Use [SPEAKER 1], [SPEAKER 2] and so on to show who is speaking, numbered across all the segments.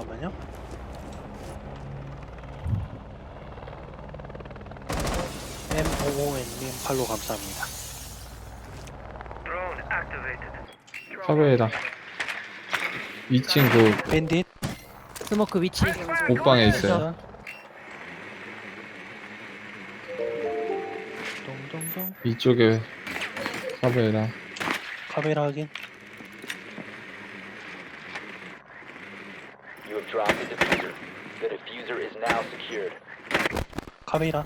[SPEAKER 1] 잠깐만요. MOON님 팔로 감사합니다.
[SPEAKER 2] 카베에다 2층 그
[SPEAKER 1] 밴딧
[SPEAKER 3] 스모크 위치
[SPEAKER 2] 옷방에 있어요.
[SPEAKER 1] 동동동
[SPEAKER 2] 이쪽에 카베에다
[SPEAKER 1] 카메라 확인.
[SPEAKER 4] You have dropped the diffuser. The diffuser is now secured.
[SPEAKER 1] 카메라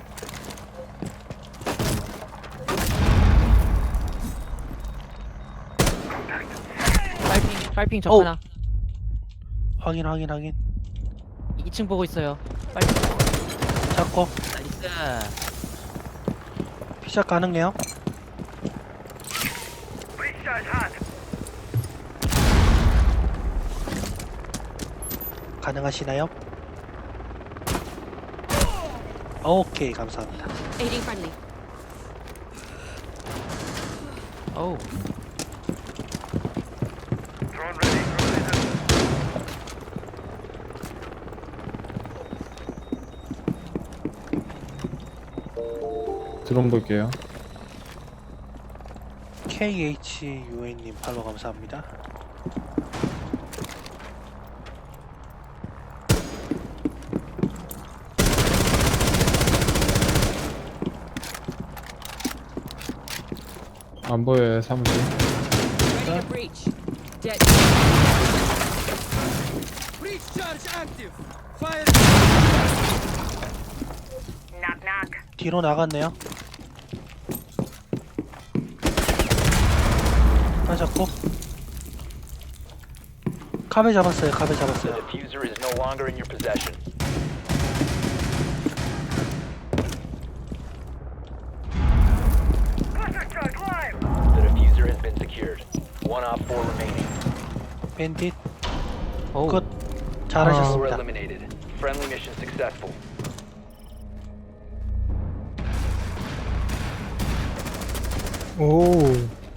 [SPEAKER 3] 빨핑 적
[SPEAKER 1] 오!
[SPEAKER 3] 하나
[SPEAKER 1] 확인 확인 확인.
[SPEAKER 3] 2층 보고 있어요. 빨핑
[SPEAKER 1] 잡고
[SPEAKER 3] 나이스.
[SPEAKER 1] 피샷 가능해요? 가능하시나요? 오케이 감사합니다.
[SPEAKER 5] Aiding friendly.
[SPEAKER 3] 어우
[SPEAKER 2] 드론 볼게요.
[SPEAKER 1] KHUN님 팔로 감사합니다.
[SPEAKER 2] 안 보여요 사무실.
[SPEAKER 5] Ready to breach. Dead. Knock knock.
[SPEAKER 1] 뒤로 나갔네요. 하나 잡고 카베 잡았어요. 카베
[SPEAKER 4] The
[SPEAKER 1] 잡았어요.
[SPEAKER 4] diffuser is no longer in your possession. The diffuser has been secured. One op 4 remaining.
[SPEAKER 1] 밴딧
[SPEAKER 3] 어우
[SPEAKER 1] 끝.
[SPEAKER 4] Four
[SPEAKER 1] 잘하셨습니다.
[SPEAKER 4] eliminated. Friendly mission successful.
[SPEAKER 2] 오.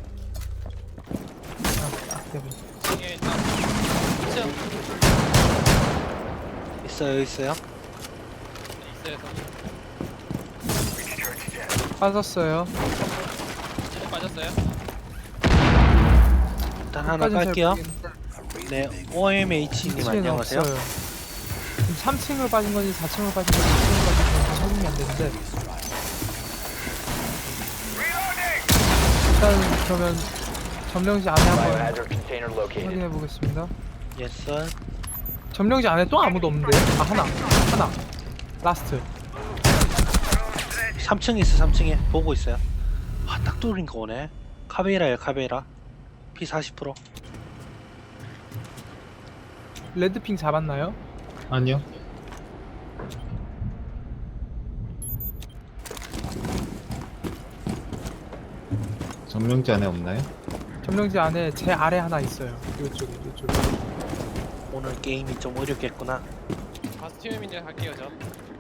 [SPEAKER 1] 있어요 있어요.
[SPEAKER 6] 빠졌어요.
[SPEAKER 1] 일단 하나
[SPEAKER 6] 빠진 잘
[SPEAKER 1] 깔게요.
[SPEAKER 6] 모르겠는데
[SPEAKER 1] 네 OMH님
[SPEAKER 6] 2층에는
[SPEAKER 1] 안녕하세요.
[SPEAKER 6] 없어요. 지금 3층으로 빠진 건지 4층으로 빠진 건지 2층으로 빠진 건지 확인이 안 되는데 일단 그러면 점령지 안에 한번
[SPEAKER 4] Biohazard container located.
[SPEAKER 6] 확인해 보겠습니다.
[SPEAKER 1] 예스.
[SPEAKER 6] 점령지 안에 또 아무도 없는데? 아 하나 라스트.
[SPEAKER 1] 3층에 있어 3층에 보고 있어요. 아딱 뚫린 거 오네. 카베라예요 카베라. P40%.
[SPEAKER 6] 레드핑 잡았나요?
[SPEAKER 2] 아니요. 점령지 안에 없나요?
[SPEAKER 6] 점령지 안에 제 아래 하나 있어요. 이쪽에.
[SPEAKER 1] 오늘 게임이 좀 어렵겠구나.
[SPEAKER 7] 바스티움인데 할게요 저.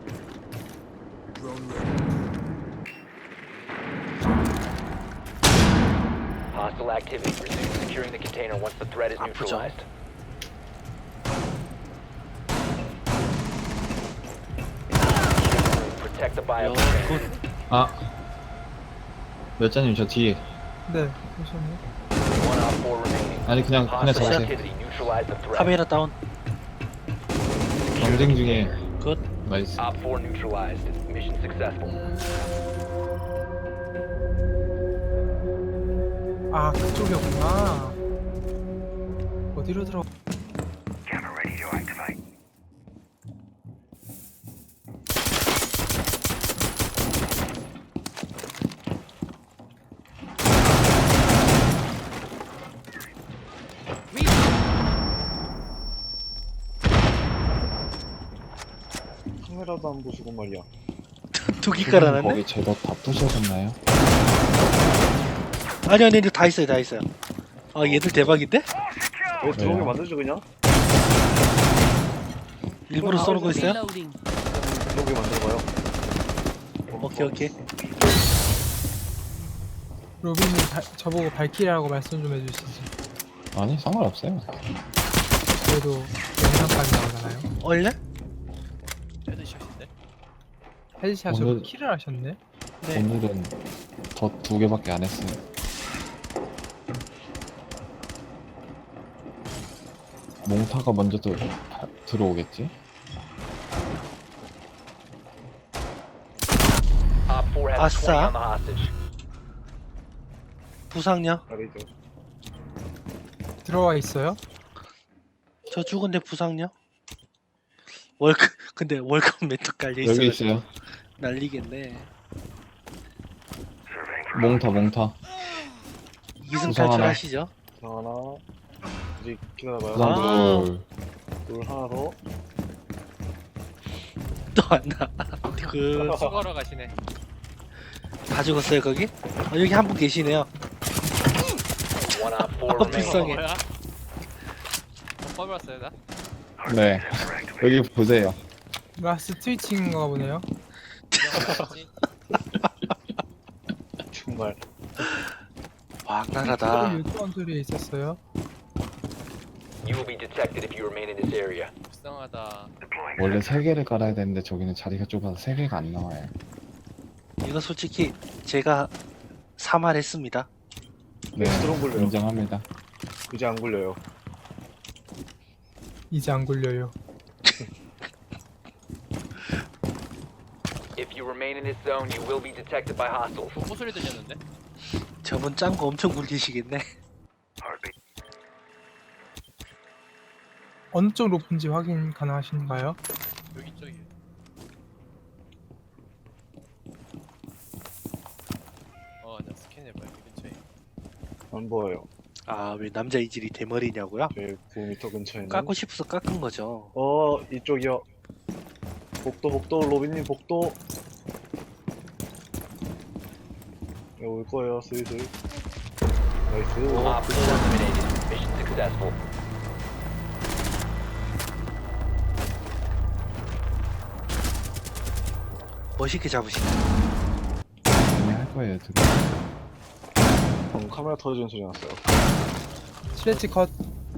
[SPEAKER 4] Hostile activity. Resume securing the container once the threat is
[SPEAKER 1] 아프죠?
[SPEAKER 4] neutralized. Protect the bio container.
[SPEAKER 1] 굿.
[SPEAKER 2] 아. 몇 잔님 저 뒤에.
[SPEAKER 6] 네, 잠시만요.
[SPEAKER 4] One op 4 remaining.
[SPEAKER 2] 아니 그냥
[SPEAKER 4] Hostile
[SPEAKER 2] 잡으세요.
[SPEAKER 4] activity. Neutralize the threat.
[SPEAKER 1] 카베라 다운.
[SPEAKER 2] 경쟁 중에
[SPEAKER 1] 굿.
[SPEAKER 2] 나이스.
[SPEAKER 4] Op 4 neutralized. Mission successful.
[SPEAKER 6] 아 그쪽이었구나. 어디로 들어?
[SPEAKER 8] 카메라도 안 보시고 말이야.
[SPEAKER 1] 두기 깔아놨네.
[SPEAKER 2] 거기 제법 바쁘셨나요?
[SPEAKER 1] 아니 다 있어요 다 있어요. 아 얘들 대박인데?
[SPEAKER 8] 왜 들어오게
[SPEAKER 2] 왜요?
[SPEAKER 8] 만들죠 그냥?
[SPEAKER 1] 일부러 쏘고 있어요?
[SPEAKER 5] Reloading.
[SPEAKER 8] 들어오게 만들어봐요.
[SPEAKER 1] 오케이.
[SPEAKER 6] 로빈님 저보고 발키리라고 말씀 좀 해주시지.
[SPEAKER 2] 아니 상관없어요.
[SPEAKER 6] 그래도 영상까지 나오잖아요.
[SPEAKER 1] 원래?
[SPEAKER 7] 헤드샷인데?
[SPEAKER 6] 헤드샷으로
[SPEAKER 2] 오늘-
[SPEAKER 6] 킬을 하셨네.
[SPEAKER 1] 네.
[SPEAKER 2] 오늘은 더 2개밖에 안 했어요. 몽타가 먼저 들어오겠지?
[SPEAKER 4] Op 4 has 20
[SPEAKER 1] 아싸.
[SPEAKER 4] on the hostage.
[SPEAKER 1] 부상요?
[SPEAKER 8] 아래죠.
[SPEAKER 6] 들어와 있어요.
[SPEAKER 1] 저 죽은데 부상요? 월급 근데 월급 멘트 깔려 있어.
[SPEAKER 2] 여기 있어요.
[SPEAKER 1] 날리겠네.
[SPEAKER 2] 몽타.
[SPEAKER 1] 이승
[SPEAKER 2] 부상 하나.
[SPEAKER 1] 탈출하시죠?
[SPEAKER 8] 하나. 이제 기다려봐요.
[SPEAKER 2] 부상
[SPEAKER 1] 아.
[SPEAKER 2] 둘.
[SPEAKER 8] 하나 더.
[SPEAKER 1] 또 왔나? 그
[SPEAKER 7] 수거러 가시네.
[SPEAKER 1] 다 죽었어요 거기? 여기 한 분 계시네요.
[SPEAKER 4] One Op 4
[SPEAKER 1] 아,
[SPEAKER 4] remaining.
[SPEAKER 1] 불쌍해.
[SPEAKER 7] 뭐야? 뽑았어요 나?
[SPEAKER 2] 네. 여기 보세요.
[SPEAKER 6] 라스 트위칭인가 보네요.
[SPEAKER 8] 정말.
[SPEAKER 1] 왕나라다.
[SPEAKER 6] 유튜브 소리에 있었어요.
[SPEAKER 4] You will be detected if you remain in this area.
[SPEAKER 7] 불쌍하다.
[SPEAKER 2] 원래 3개를 깔아야 되는데 저기는 자리가 좁아서 3개가 안 나와요.
[SPEAKER 1] 이거 솔직히 제가 사말했습니다.
[SPEAKER 2] 네.
[SPEAKER 8] 스트롱 굴려요.
[SPEAKER 2] 인정합니다.
[SPEAKER 8] 이제 안 굴려요.
[SPEAKER 6] 이제 안 굴려요.
[SPEAKER 4] If you remain in this zone, you will be detected by hostiles.
[SPEAKER 7] 뭐 소리 들렸는데?
[SPEAKER 1] 저분 짠 거 엄청 굴리시겠네.
[SPEAKER 6] 어느 쪽 높은지 확인 가능하신가요?
[SPEAKER 7] 여기 쪽이. 나 스캔해봐 여기 근처에.
[SPEAKER 8] 안 보여요.
[SPEAKER 1] 아 왜 남자 이질이 대머리냐고요?
[SPEAKER 8] 9m 근처에는.
[SPEAKER 1] 깎고 싶어서 깎은 거죠.
[SPEAKER 8] 이쪽이요. 복도, 로빈님 복도. 올 거예요, 슬슬. 나이스.
[SPEAKER 4] Op 4 eliminated. Mission successful.
[SPEAKER 1] 멋있게 잡으시네.
[SPEAKER 2] 많이 할 거예요, 들어.
[SPEAKER 8] 방금 카메라 터지는 소리 났어요.
[SPEAKER 6] 슬래치 컷.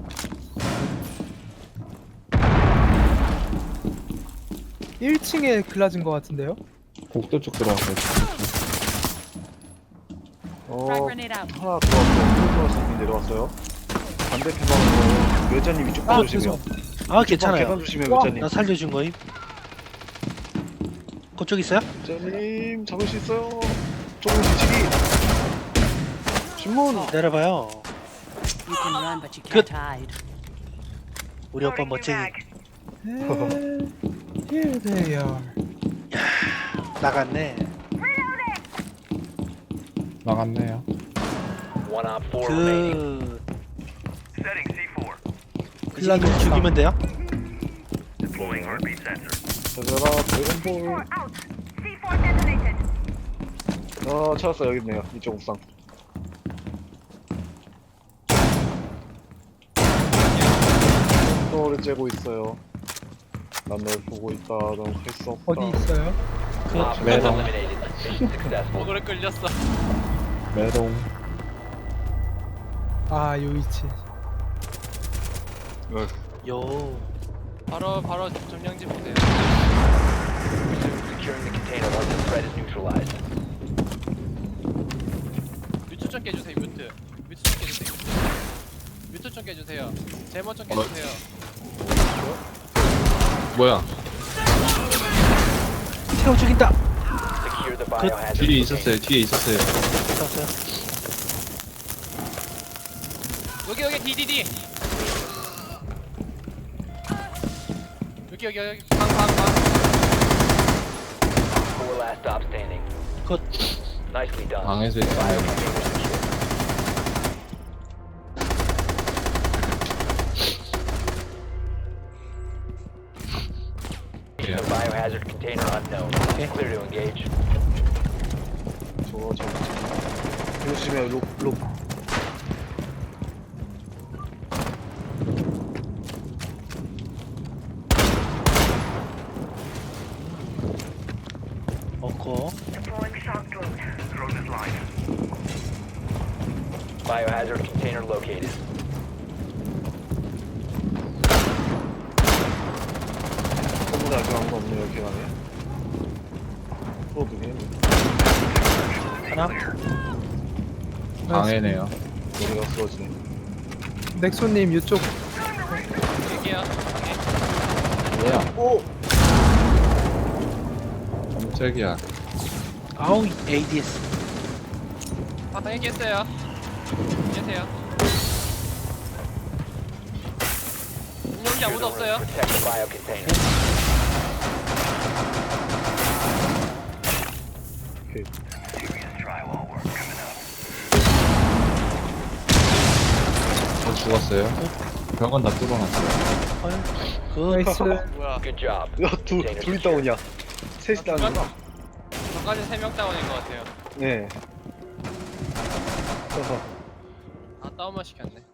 [SPEAKER 6] (1층에) 글라진 것 같은데요?
[SPEAKER 2] 복도 쪽 들어왔어요.
[SPEAKER 5] Frag grenade out.
[SPEAKER 8] 하나 들어왔어요. 플러스 내려왔어요. 반대편 방으로 외자님 이쪽
[SPEAKER 6] 아
[SPEAKER 8] 봐주시면.
[SPEAKER 6] 죄송.
[SPEAKER 1] 아 괜찮아요.
[SPEAKER 8] 계단 주시면
[SPEAKER 6] 와.
[SPEAKER 8] 외자님.
[SPEAKER 1] 나 살려준 거임. 그쪽 있어요?
[SPEAKER 8] 외자님 잡을 수 있어요. 조금 뒤치기. 신문.
[SPEAKER 1] 내려봐요.
[SPEAKER 5] You can run, but you
[SPEAKER 1] Good.
[SPEAKER 5] can't hide.
[SPEAKER 1] 우리 오빠 멋쟁이.
[SPEAKER 6] Here they are.
[SPEAKER 1] 나갔네.
[SPEAKER 2] 나갔네요.
[SPEAKER 4] One Op 4 remaining.
[SPEAKER 1] 그 새끼 죽이면 돼요?
[SPEAKER 8] 얘들아 드래곤볼. 찾았어요. 여기 있네요. 이쪽 옥상. 또를 째고 있어요. 난 널 보고 있다. 넌 할 수 없다.
[SPEAKER 6] 어디 있어요?
[SPEAKER 4] Op 4
[SPEAKER 2] 매너.
[SPEAKER 4] eliminated. Mission successful.
[SPEAKER 7] 오그레 끌렸어.
[SPEAKER 2] 메롱.
[SPEAKER 6] 아 요이치.
[SPEAKER 1] 요.
[SPEAKER 7] 바로 점령지 보세요.
[SPEAKER 4] Resume securing the container once the threat is neutralized.
[SPEAKER 7] 뮤트 좀 깨주세요. 뮤트 좀 깨주세요. 뮤트 좀 깨주세요. 제모 좀 깨주세요.
[SPEAKER 2] 뭐야?
[SPEAKER 1] 새우 죽인다.
[SPEAKER 4] Secure the biohazard
[SPEAKER 2] 뒤에
[SPEAKER 4] container.
[SPEAKER 2] 뒤에 있었어요.
[SPEAKER 1] 잡았어요.
[SPEAKER 7] 여기 DDD. 여기 방.
[SPEAKER 4] Four last stop standing.
[SPEAKER 1] 굿.
[SPEAKER 4] Nicely done.
[SPEAKER 2] 방에서 있어요.
[SPEAKER 4] The biohazard container unknown. Clear to engage.
[SPEAKER 8] 저 조심해요. 록.
[SPEAKER 1] 먹고.
[SPEAKER 4] Biohazard container located.
[SPEAKER 8] 근데 아직 아무도 없네요, 계단에. 또 누구냐?
[SPEAKER 1] 하나?
[SPEAKER 2] 방해네요.
[SPEAKER 8] 머리가 쓰러지네.
[SPEAKER 6] 넥소님 이쪽
[SPEAKER 7] 얘기야.
[SPEAKER 2] 뭐야?
[SPEAKER 8] 오!
[SPEAKER 2] 깜짝이야.
[SPEAKER 1] 아우 ADS.
[SPEAKER 7] 아, 얘기했어요. 계세요. 여기 아무도 없어요.
[SPEAKER 4] Protect the bio container.
[SPEAKER 8] 오케이.
[SPEAKER 2] 저 죽었어요. 벽은 다 뚫어놨어요.
[SPEAKER 1] 그
[SPEAKER 6] 나이스.
[SPEAKER 7] 뭐야?
[SPEAKER 4] Good job.
[SPEAKER 8] 야, 둘이 다운이야. 셋이 다운이야.
[SPEAKER 7] 저까지 3명 다운인 것 같아요.
[SPEAKER 8] 네.
[SPEAKER 7] 아, 다운만 시켰네.